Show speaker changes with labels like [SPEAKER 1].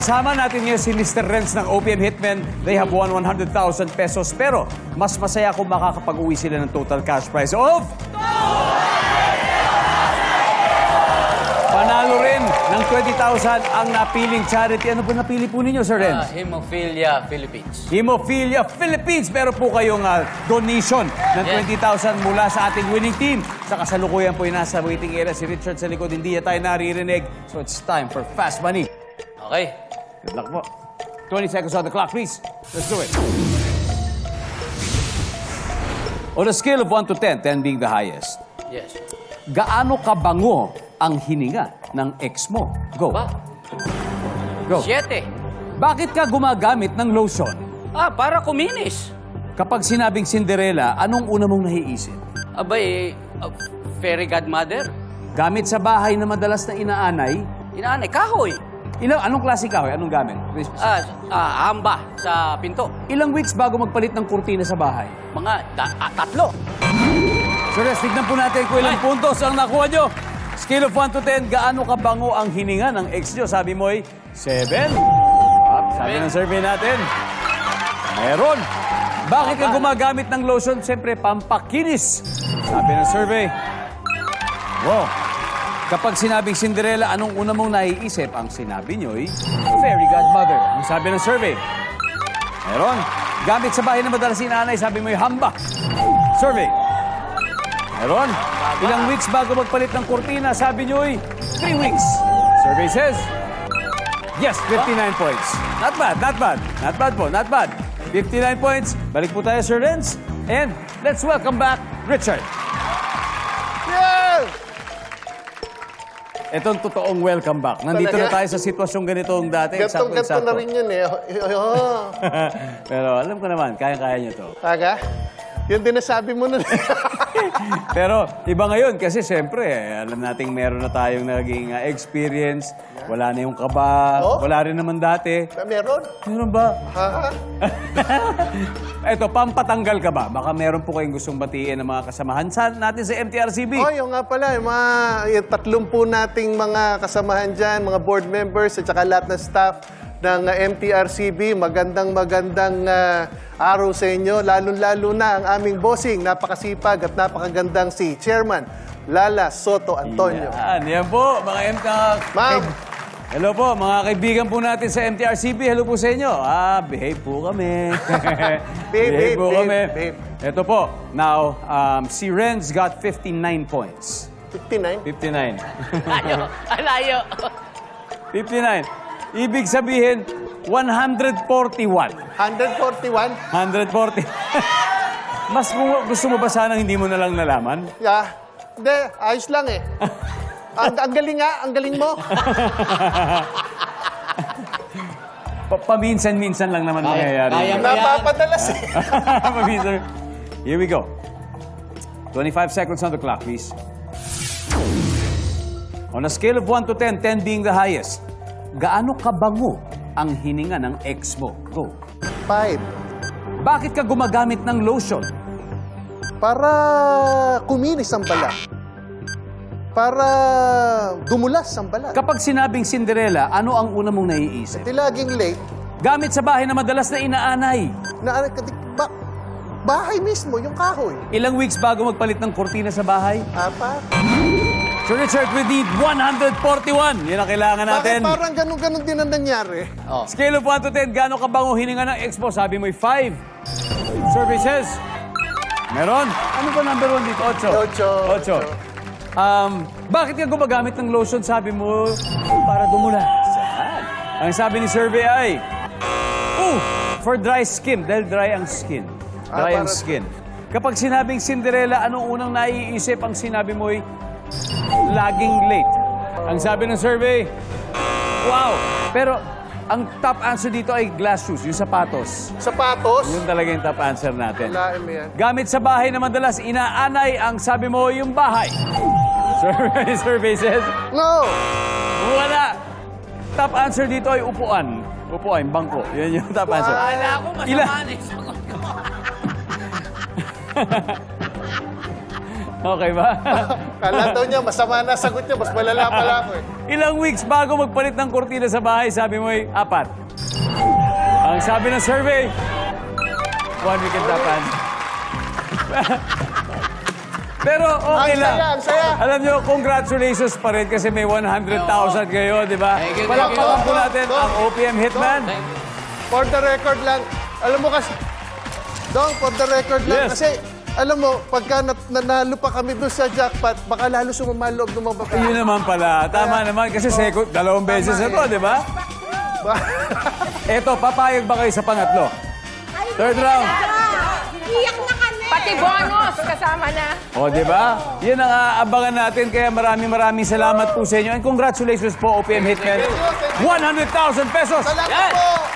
[SPEAKER 1] Sama natin ngayon si Mr. Renz ng OPM Hitmen. They have won 100,000 pesos. Pero mas masaya kung makakapag-uwi sila ng total cash prize of... Panalo rin ng 20,000 ang napiling charity. Ano po napili po ninyo, Sir Renz?
[SPEAKER 2] Hemophilia Philippines.
[SPEAKER 1] Hemophilia Philippines. Pero po kayong donation ng 20,000 mula sa ating winning team. Sa kasalukuyan po yung nasa waiting area si Richard sa likod. Hindi tayo naririnig. So it's time for Fast Money.
[SPEAKER 2] Okay.
[SPEAKER 1] Good luck po. 20 seconds on the clock, please. Let's do it. On a scale of 1 to 10, 10 being the highest,
[SPEAKER 2] Yes.
[SPEAKER 1] gaano kabango ang hininga ng ex mo? Go.
[SPEAKER 2] Ba?
[SPEAKER 1] Go.
[SPEAKER 2] 7.
[SPEAKER 1] Bakit ka gumagamit ng lotion?
[SPEAKER 2] Para kuminis.
[SPEAKER 1] Kapag sinabing Cinderella, anong una mong nahiisip?
[SPEAKER 2] Abay, fairy godmother.
[SPEAKER 1] Gamit sa bahay na madalas na inaanay?
[SPEAKER 2] Inaanay, kahoy.
[SPEAKER 1] Anong klase kahoy? Anong gamit?
[SPEAKER 2] Hamba sa pinto.
[SPEAKER 1] Ilang weeks bago magpalit ng kurtina sa bahay?
[SPEAKER 2] Mga 3.
[SPEAKER 1] So, guys, tignan po natin kung ilang puntos ang nakuha nyo. Scale of 1 to 10, gaano kabango ang hininga ng ex nyo? Sabi mo ay 7. Sabi ng survey natin, meron. Bakit ka gumagamit ng lotion? Siyempre, pampakinis. Sabi ng survey, wow. Kapag sinabing Cinderella, anong una mong naiisip? Ang sinabi nyo'y fairy godmother. Ang sabi ng survey, meron. Gamit sa bahay na madalas inaanay, sabi mo'y hamba. Survey, meron. Ilang weeks bago magpalit ng kurtina, sabi nyo'y 3 weeks. Survey says, yes, 59 points. Not bad, not bad. Not bad po, not bad. 59 points. Balik po tayo, Sir Renz. And let's welcome back Richard.
[SPEAKER 3] Yeah!
[SPEAKER 1] Itong totoong welcome back. Nandito na tayo sa sitwasyong ganitong dati.
[SPEAKER 3] Gantong-ganto na rin yun eh.
[SPEAKER 1] Pero alam ko naman, kaya-kaya nyo to.
[SPEAKER 3] Aga? Yun din nasabi mo nun.
[SPEAKER 1] Pero iba ngayon kasi siyempre, alam nating meron na tayong naging experience. Wala na yung kaba.
[SPEAKER 3] Oh?
[SPEAKER 1] Wala rin naman dati.
[SPEAKER 3] Meron?
[SPEAKER 1] Meron ba?
[SPEAKER 3] Ha?
[SPEAKER 1] Eto, pampatanggal ka ba? Baka meron po kayong gustong batiin ng mga kasamahan natin sa MTRCB.
[SPEAKER 3] Oh, yung nga pala, yung 30 nating mga kasamahan dyan, mga board members at saka lahat ng staff ng MTRCB. Magandang araw sa inyo. Lalo-lalo na ang aming bossing, napakasipag at napakagandang si Chairman Lala Soto Antonio.
[SPEAKER 1] Yan po, mga
[SPEAKER 3] Ma'am.
[SPEAKER 1] Hello po, mga kaibigan po natin sa MTRCB. Hello po sa inyo. Behave po kami.
[SPEAKER 3] Behave
[SPEAKER 1] po kami.
[SPEAKER 3] babe.
[SPEAKER 1] Ito po, now, si Renz got 59 points.
[SPEAKER 3] 59?
[SPEAKER 1] 59.
[SPEAKER 2] Alayo.
[SPEAKER 1] 59. Ibig sabihin, 141.
[SPEAKER 3] 141?
[SPEAKER 1] 140. Mas gusto mo ba sanang hindi mo na lang nalaman?
[SPEAKER 3] Yeah. Hindi, ayos lang eh. Ang galing nga, ang galing mo.
[SPEAKER 1] Paminsan-minsan lang naman nangyayari.
[SPEAKER 2] kaya mo.
[SPEAKER 3] Napapadalas eh.
[SPEAKER 1] Paminsan. Here we go. 25 seconds on the clock, please. On a scale of 1 to 10, 10 being the highest, gaano kabango ang hininga ng ex mo? Go.
[SPEAKER 3] 5.
[SPEAKER 1] Bakit ka gumagamit ng lotion?
[SPEAKER 3] Para kuminis ang balat. Para dumulas ang balat.
[SPEAKER 1] Kapag sinabing Cinderella, ano ang una mong naiisip?
[SPEAKER 3] Di laging late.
[SPEAKER 1] Gamit sa bahay na madalas na inaanay.
[SPEAKER 3] Bahay mismo, yung kahoy.
[SPEAKER 1] Ilang weeks bago magpalit ng kurtina sa bahay?
[SPEAKER 3] 4.
[SPEAKER 1] So Richard, we need 141. Yan ang kailangan natin.
[SPEAKER 3] Bakit parang ganun-ganun din ang nangyari?
[SPEAKER 1] Scale of 1 to 10, gaano kabango hininga ng ex mo? Sabi mo'y 5. Services? Meron. Ano ba number 1 dito? 8. 8. Bakit ka gumagamit ng lotion? Sabi mo, para dumulas. Ang sabi ni survey ay, for dry skin. Dahil dry ang skin. Dry ang skin. Kapag sinabing Cinderella, anong unang naiisip? Ang sinabi mo'y, laging late. Ang sabi ng survey, wow. Pero, ang top answer dito ay glass shoes, yung sapatos.
[SPEAKER 3] Sapatos?
[SPEAKER 1] Yun talaga yung top answer natin.
[SPEAKER 3] Laim yan.
[SPEAKER 1] Gamit sa bahay na madalas inaanay, ang sabi mo yung bahay. Survey says,
[SPEAKER 3] No!
[SPEAKER 1] wala. Top answer dito ay upuan. Upuan, bangko. Yan yung top answer.
[SPEAKER 2] Wala ako masama na
[SPEAKER 1] Okay ba?
[SPEAKER 3] Kala daw niya, masama na sagot niya, mas malala pala ako eh.
[SPEAKER 1] Ilang weeks bago magpalit ng kurtina sa bahay, sabi mo ay 4. Ang sabi ng survey, 1 week and tapan. Pero okay
[SPEAKER 3] Ang
[SPEAKER 1] lang.
[SPEAKER 3] saya, ang saya.
[SPEAKER 1] Alam nyo, congratulations pa rin kasi may 100,000 kayo, di ba?
[SPEAKER 2] Thank you,
[SPEAKER 1] Palakpakan po
[SPEAKER 3] Dong.
[SPEAKER 1] natin ang OPM Hitman.
[SPEAKER 3] For the record lang, alam mo kasi, Dong, for the record lang,
[SPEAKER 1] Yes.
[SPEAKER 3] kasi, alam mo, pagka nanalo pa kami doon sa jackpot, baka lalo sumama loob ng mga babae.
[SPEAKER 1] Yun naman pala. Tama naman kasi second, 2 beses na to, di ba? Eto, papayag ba kayo sa pangatlo? Third round.
[SPEAKER 4] Iyak na kami!
[SPEAKER 5] Pati bonus kasama na.
[SPEAKER 1] O, di ba? Yan ang aabangan natin. Kaya maraming salamat po sa inyo. And congratulations po, OPM Hitman. 100,000 pesos!
[SPEAKER 3] Salamat
[SPEAKER 2] Yan.
[SPEAKER 3] po!